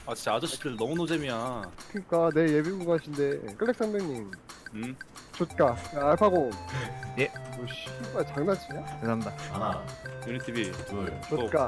아 진짜 아저씨들 너무 노잼이야. 그니까 내 예비군 가신데 클렉 선배님 응? 좋까 야, 알파고 예. 너 씨발 장난치냐? 죄송합니다. 하나, 유니티비. 둘. 좋까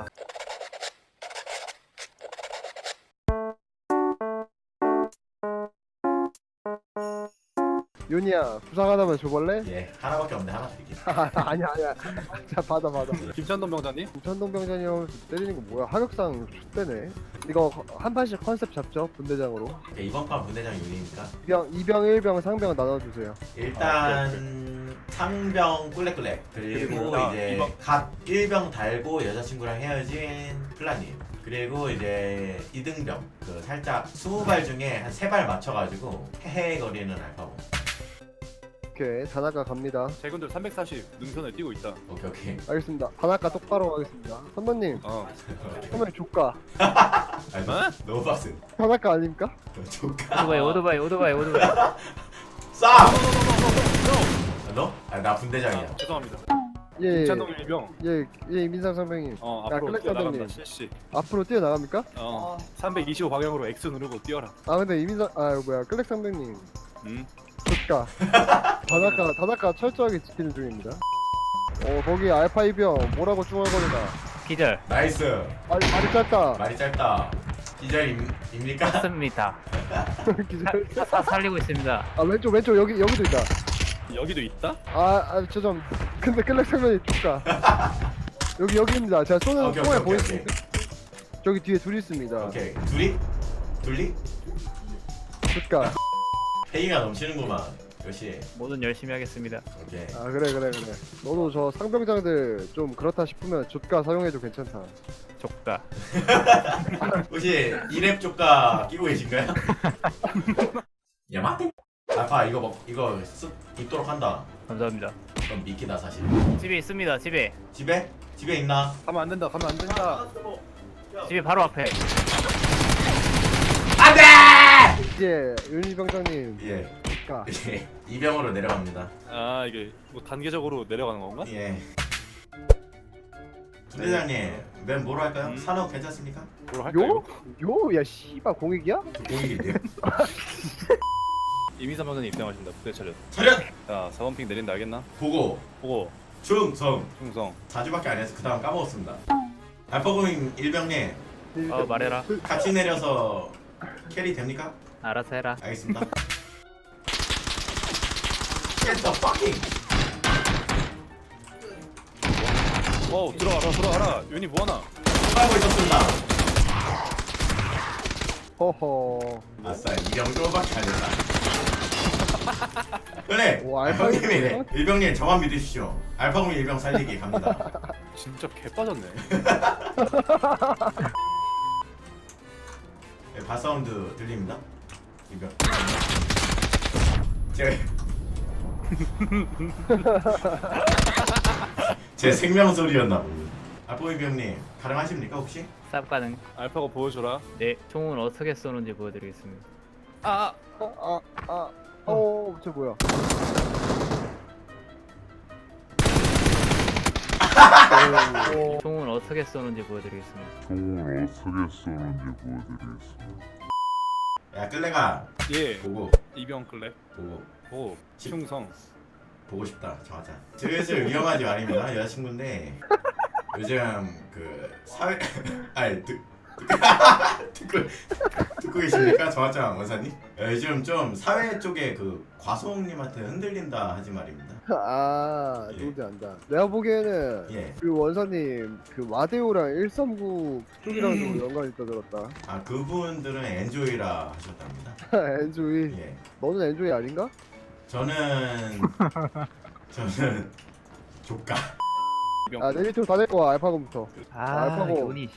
윤이야 부상 하나만 줘볼래? 예, 하나밖에 없네. 하나 드릴게요. 아니야 자 받아 김찬동 병장님? 김천동 병장님 때리는 거 뭐야 하격상 X대네 이거 한 판씩 컨셉 잡죠 분대장으로 오케이, 이번 판 분대장 윤이니까 2병 1병 상병 나눠주세요 일단 상병 꿀렉꿀렉 그리고 그리고 이제 이번- 갓 1병 달고 여자친구랑 헤어진 플라님 그리고 이제 2등병 그 살짝 20발 중에 한 3발 맞춰가지고 헤헤거리는 알파고. 오케이 다나카 갑니다 제군들 340 능선에 뛰고 있다. 오케이. 알겠습니다 다나카 똑바로 가겠습니다 선배님 어. 선배님 조까 아, 어? 너무 빡세. 다나카 아닙니까? 조카. 오토바이. 쏴! 너? 아, 나 분대장이야. 죄송합니다. 예 김찬동 일병. 예 이민상 선배님 어 야, 앞으로 클렉 뛰어나간다. 선생님. 실시. 앞으로 뛰어나갑니까? 325 방향으로 X 누르고 뛰어라. 아 근데 이민상 아 뭐야 클렉 선배님 응? 조까 다나카 철저하게 지키는 중입니다 거기 알파 이병 뭐라고 중얼거리나 기절. 나이스. 말이 짧다 말이 짧다. 기절입니까? 맞습니다. 기절 살리고 있습니다. 아 왼쪽 여기도 있다 여기도 있다? 저 근데 클렉 선배님 조까 여기입니다 제가 쏘는 오케이, 총알 오케이, 오케이, 보이십니까? 저기 뒤에 둘이 있습니다 오케이. 둘이? 조까 회의가 넘치는구만. 역시. 뭐든 열심히 하겠습니다. 오케이. 아 그래 너도 저 상병장들 좀 그렇다 싶으면 조까 사용해도 괜찮다 족가. 혹시 이랩 조카 끼고 계신가요? 야마테? 알파 이거 입도록 한다. 감사합니다. 그럼 미끼다 사실. 집에 있습니다. 집에 집에 있나? 가면 안 된다. 가면 안 된다. 바로 앞에. 안돼! 이제 윤희병장님 예. 조까 예. 이병으로 내려갑니다. 아 이게 뭐 단계적으로 내려가는 건가? 예. 부대장님, 맨 뭐로 할까요? 산업 괜찮습니까? 뭘 할까요? 야 씨발 공익이야? 공익인데요. 이민삼 병장님 입장하신다. 부대 차렷. 차렷! 자 4번핑 내린다 알겠나? 보고 보고 충성. 충성. 4주밖에 안 해서 그 다음 까먹었습니다. 알파고민 일병님 말해라. 같이 내려서 캐리 됩니까? 알아서 해라. 알겠습니다. Get the fucking! 들어가라. 윤이 뭐하나? 빨고 있었습니다. 허허 아싸, 이병조밖에 안 했다. 그래! 오, 알파고민 알파고민이네. 일병님 저만 믿으십시오. 알파고민 일병 살리기 갑니다. 진짜 개 빠졌네. 네, 바사운드 들립니다. 일병. 제가 제 생명 소리였나 보군요. 알파고민 일병님 가능하십니까 혹시? 쌉 가능. 알파고 보여줘라. 네, 총은 어떻게 쏘는지 보여드리겠습니다. 저 뭐야 총은 어떻게 쏘는지 보여드리겠습니다. 야 끌레가 예. 보고 이병 클랩. 보고 보고 충성. 보고 싶다. 정하자. 슬슬 위험하지 말입니다. 여자친구인데 요즘 그 사회 아니 듣고 계십니까? 정하장 원사님? 요즘 좀 사회 쪽에 그 과소홍님한테 흔들린다 하지 말입니다. 아 예. 누군지 안다 내가 보기에는 예. 그 원사님 그 와데오랑 139 쪽이랑 좀 연관이 있다 들었다 아 그분들은 엔조이라 하셨답니다. 엔조이 예. 너는 엔조이 아닌가? 저는 조카. 이병. 내 밑으로 다 데리고 와 알파곰부터 알파고. 요니.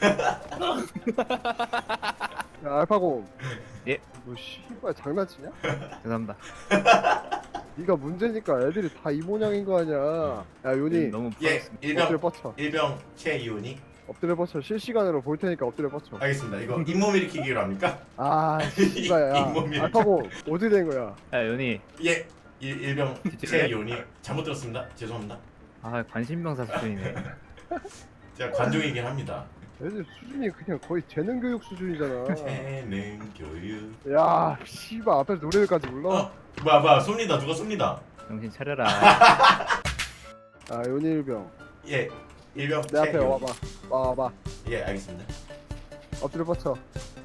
야 알파곰 예. 너 씨발 장난치냐? 죄송합니다. 네가 문제니까 애들이 다 이 모양인 거 아니야 야 요니 너무 예. 부럽습니다. 엎드려 일병 뻗쳐 최이훈이. 엎드려 뻗쳐 실시간으로 볼 테니까 엎드려 뻗쳐 알겠습니다. 이거 잇몸 일으키기로 합니까? 아 씨발 야 잇몸이 알파곰 어디 된 거야 야, 요니. 예. 일병 뒤질래? 최이훈이 잘못 들었습니다. 죄송합니다. 관심병사 수준이네. 제가 관종이긴 합니다. 애들 수준이 그냥 거의 재능 교육 수준이잖아. 재능 교육. 야, 씨발 앞에서 노래까지 불러. 뭐야 쏩니다. 누가 쏩니다. 정신 차려라. 아, 연일병. 예. 일병 내 앞에 최윤. 와봐. 와봐. 예 알겠습니다. 엎드려 뻗쳐.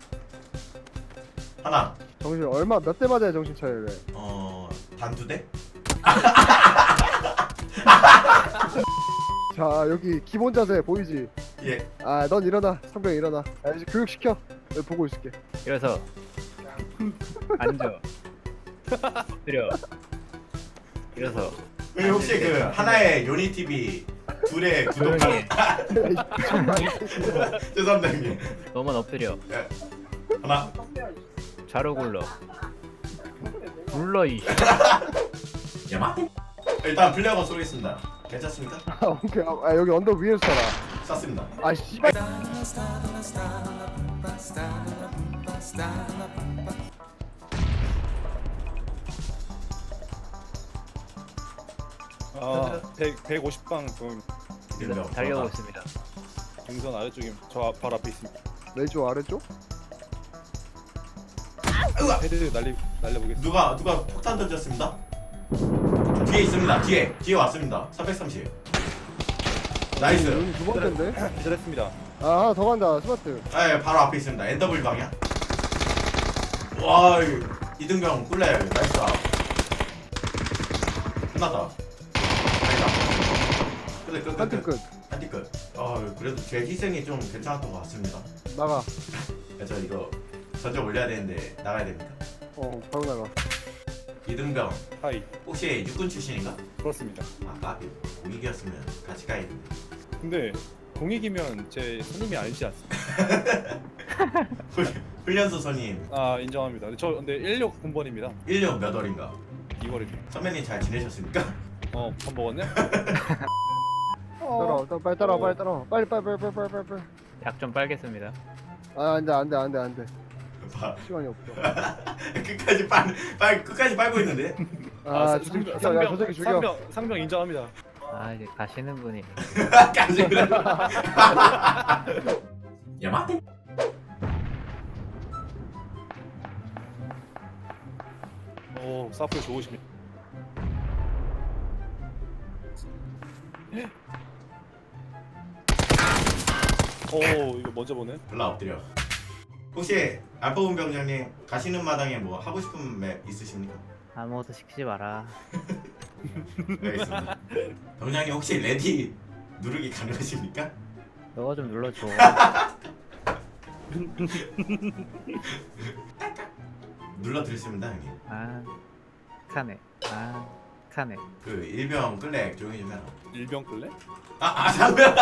하나. 정신 얼마 몇 대 맞아야 정신 차려래. 단두 대? 자, 여기 기본 자세 보이지? 예. 아, 넌 일어나. 상병 일어나. 아, 이제 교육 시켜. 여기 보고 있을게. 일어서. 앉아. 엎드려. 일어서. 혹시 그 하나의 요니 TV 둘의 구독. 조용히 해. 죄송합니다 형님. 너만 엎드려. 하나. 좌로 굴러. 굴러 이. 야마. 일단 플레어건 쏘겠습니다. 괜찮습니까? 아, 오케이. 아, 여기 언덕 위에서 살아. 쐈습니다. 아, 씨발. 아 150방 좀 일병 달려오고 있습니다. 경선 아래쪽에 저 바로 앞에 있습니다. 왼쪽 아래쪽? 헤드 날려보겠습니다. 누가 폭탄 던졌습니다. 뒤에 있습니다. 뒤에 왔습니다. 330. 나이스. 여기 두 번째인데? 기절했습니다. 아, 하나 더 간다. 스마트. 예, 바로 앞에 있습니다. NW 방향. 와, 이등병 꿀레 나이스. 끝났다. 아니다. 한팀 끝. 한팀 끝. 그래도 제 희생이 좀 괜찮았던 것 같습니다. 나가. 저 이거 전적 올려야 되는데 나가야 됩니다. 바로 나가. 이등병 하이. 혹시 육군 출신인가? 그렇습니다. 아까 공익이었으면 같이 가야겠는데. 근데 공익이면 제 손님이 아니지 않습니까? 훈련소 선임 아 인정합니다. 저 근데 16 군번입니다. 1년 몇 월인가? 2월입니다. 선배님 잘 지내셨습니까? 밥 먹었네? 따라와. 빨리 따라와. 빨리 따라와. 빨리. 약 좀 빨겠습니다. 아, 안 돼. 봐. 시간이 없어. 끝까지 빨고 있는데. 아, 저 새끼 죽여. 야, 저 새끼 죽여. 상병 인정합니다. 아 이제 가시는 분이. 까지 그래. 야마테. 오 사플 좋으십니다. 오 이거 먼저 보네. 올라 엎드려. 혹시 알파본 병장님 가시는 마당에 뭐 하고 싶은 맵 있으십니까? 아무것도 시키지 마라. 알겠습니다. 병장님 혹시 레디 누르기 가능하십니까? 너가 좀 눌러줘. 눌러 드렸습니다 형님. 아 카네. 아 카네. 그 일병 끌렉 조용히 좀 해라. 일병 끌래? 상병.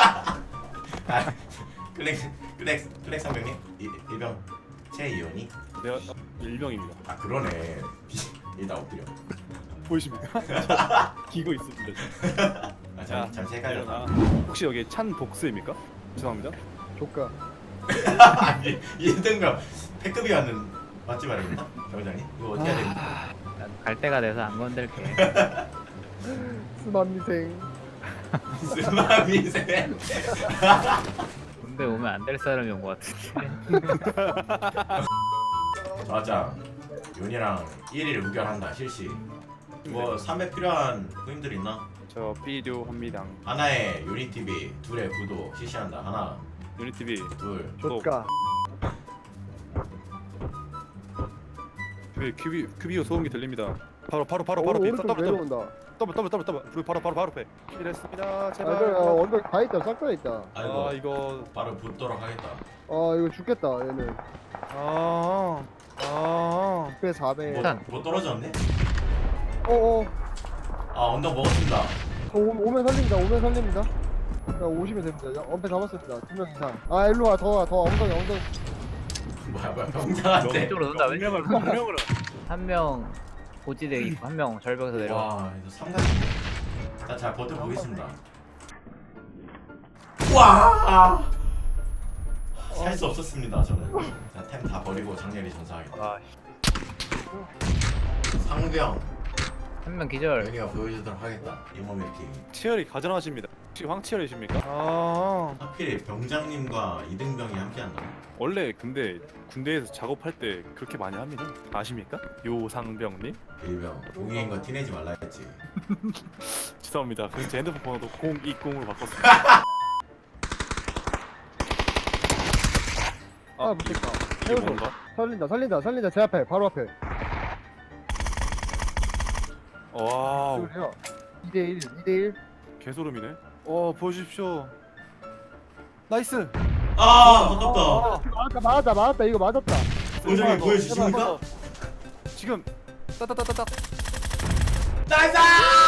끌렉 상병님 일병 최이원이. 내가 일병입니다. 그러네. 일단 엎드려. 보이십니까? 저 기고 있습니다. 잠시 헷갈렸다. 혹시 여기 찬 복수입니까? 죄송합니다. 조카. 아니 이등병 패급이었는 맞지 말입니다 병장님. 이거 어떻게 해야 됩니까? 난 갈 때가 돼서 안 건들게. 스마미생. 스마미세. 군대 오면 안 될 사람이 온 것 같은데. 맞아. 윤이랑 1일 우결한다 실시. 뭐 300 필요한 후임들 있나? 저 필요합니다. 하나의 유니티비, 둘의 구도 실시한다. 하나, 유니티비 둘. 조카. 큐비오 소음기 들립니다. 바로 오른쪽 내려온다. 더블 바로 앞에. 이랬습니다. 아, 제발. 그래, 언덕 다 있다. 싹 다 있다. 아이고 이거 바로 붙도록 하겠다. 이거 죽겠다. 얘는. 배 4배. 일단. 뭐 떨어졌네? 언덕 먹었습니다. 오면 살립니다. 야, 오시면 됩니다. 엄폐 잡았습니다. 2명 이상. 일로 와. 더 엉덩이. 뭐야 병장한테. 왼쪽으로 논다. 왼쪽으로. 분명으로. 한 명 고지대 있고 한 명 절벽에서 내려와. 와 이거 삼각인데. 잘 버텨보겠습니다. 와. 살 수 없었습니다 저는. 템 다 버리고 장렬히 전사하겠다. 상병. 한 명 기절. 여기가 보여주도록 하겠다. 이몸 이렇게. 치열이 가정하십니다. 혹시 황치열이십니까? 아 하필 병장님과 이등병이 함께한다. 원래 근데 군대에서 작업할 때 그렇게 많이 합니다. 아십니까? 요상병님? 일병 공익인 거 티내지 말라 했지. 죄송합니다. 그래서 제 핸드폰 번호도 020으로 바꿨습니다. 아 못했다. 이게 뭔가? 살린다 제 앞에 바로 앞에. 와우 그래요. 2대1 개소름이네. 보여주십시오. 나이스. 아 아깝다. 맞았다 이거 맞았다. 보여주기 보여주십니까? 지금 따따따따따. 나이스!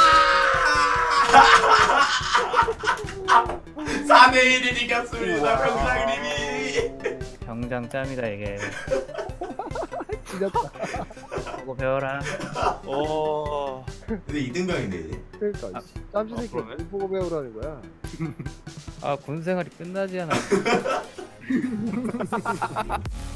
4대1을 이겼습니다. 병장님이. 병장 짬이다 이게. 지렸다. 보고 배워라. 근데 이등병인데 이제. 그러니까 짬지 새끼 그러네. 뭘 보고 배우라는 거야. 아 군 생활이 끝나지 않아.